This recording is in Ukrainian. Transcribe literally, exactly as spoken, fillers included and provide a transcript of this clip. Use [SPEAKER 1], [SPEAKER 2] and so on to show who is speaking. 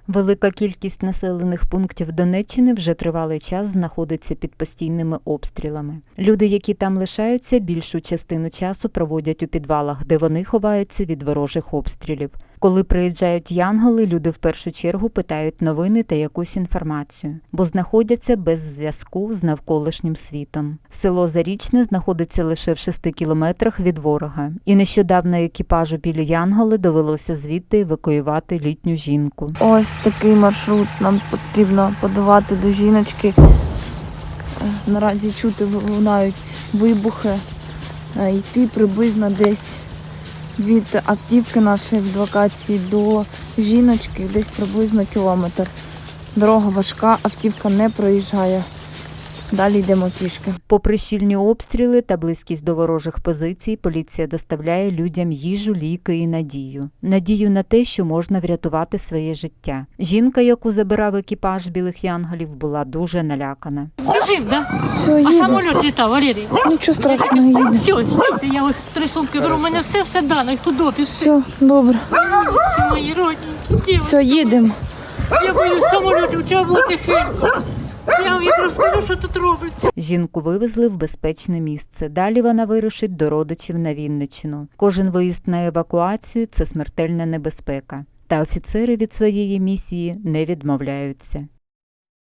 [SPEAKER 1] Велика кількість населених пунктів Донеччини вже тривалий час знаходиться під постійними обстрілами. Люди, які там лишаються, більшу частину часу проводять у підвалах, де вони ховаються від ворожих обстрілів. Коли приїжджають янголи, люди в першу чергу питають новини та якусь інформацію, бо знаходяться без зв'язку з навколишнім світом. Село Зарічне знаходиться лише в шести кілометрах від ворога, і нещодавно екіпажу білі янголи довелося звідти евакуювати літню жінку.
[SPEAKER 2] Ось такий маршрут нам потрібно подавати до жіночки. Наразі чути лунають вибухи, йти приблизно десь від автівки нашої в локації до жіночки десь приблизно кілометр. Дорога важка, автівка не проїжджає. Далі йдемо пішки.
[SPEAKER 1] Попри щільні обстріли та близькість до ворожих позицій, поліція доставляє людям їжу, ліки і надію. Надію на те, що можна врятувати своє життя. Жінка, яку забирав екіпаж білих янголів, була дуже налякана.
[SPEAKER 3] Жив, да?
[SPEAKER 2] Все,
[SPEAKER 3] А
[SPEAKER 2] їде.
[SPEAKER 3] самоліт літав, Валерій.
[SPEAKER 2] Нічого страшного, їде.
[SPEAKER 3] Все, стійте, я ось три сумки беру, у мене все, все дано, і худобі, все.
[SPEAKER 2] Все, добре.
[SPEAKER 3] Мої родненькі,
[SPEAKER 2] Все, їдемо.
[SPEAKER 3] я боюсь самолітів, треба було тихенько. Я вам їх розкажу, що тут робиться.
[SPEAKER 1] Жінку вивезли в безпечне місце. Далі вона вирушить до родичів на Вінниччину. Кожен виїзд на евакуацію – це смертельна небезпека. Та офіцери від своєї місії не відмовляються.